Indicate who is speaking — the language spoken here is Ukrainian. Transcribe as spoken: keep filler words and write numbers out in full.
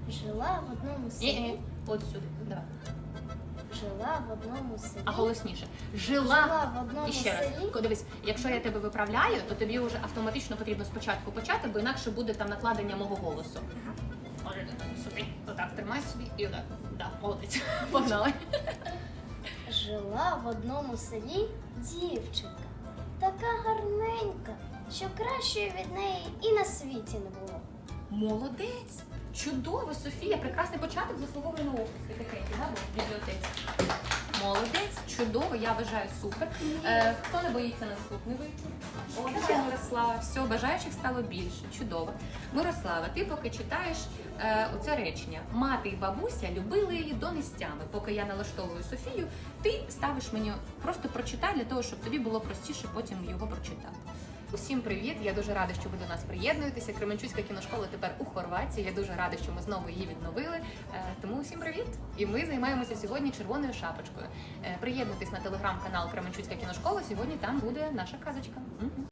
Speaker 1: Жила в одному селі.
Speaker 2: Ні-ні, от сюди, давай.
Speaker 1: Жила в одному селі.
Speaker 2: А голосніше. Жила,
Speaker 1: Жила в одному
Speaker 2: І ще раз,
Speaker 1: селі.
Speaker 2: Ко- дивись, якщо я тебе виправляю, то тобі вже автоматично потрібно спочатку почати, бо інакше буде там накладення мого голосу. Може, собі, отак, тримай собі і отак. Да, молодець. Погнали.
Speaker 1: Жила в одному селі дівчинка. Така гарненька, що кращої від неї і на світі не було.
Speaker 2: Молодець! Чудово, Софія! Прекрасний початок заслуговує на офіс. Такий, да, бо в бібліотеці. Молодець, чудово, я вважаю супер. Е, хто не боїться наступний випуск? О, Мирослава. Все, бажаючих стало більше. Чудово. Мирослава, ти поки читаєш е, оце речення. Мати і бабуся любили її до нестями. Поки я налаштовую Софію, ти ставиш мені просто прочитай для того, щоб тобі було простіше потім його прочитати. Усім привіт! Я дуже рада, що ви до нас приєднуєтеся. Кременчуцька кіношкола тепер у Хорватії. Я дуже рада, що ми знову її відновили. Е, Тому усім привіт! І ми займаємося сьогодні червоною шапочкою. Е, Приєднуйтесь на телеграм-канал Кременчуцька кіношкола. Сьогодні там буде наша казочка. Мгм.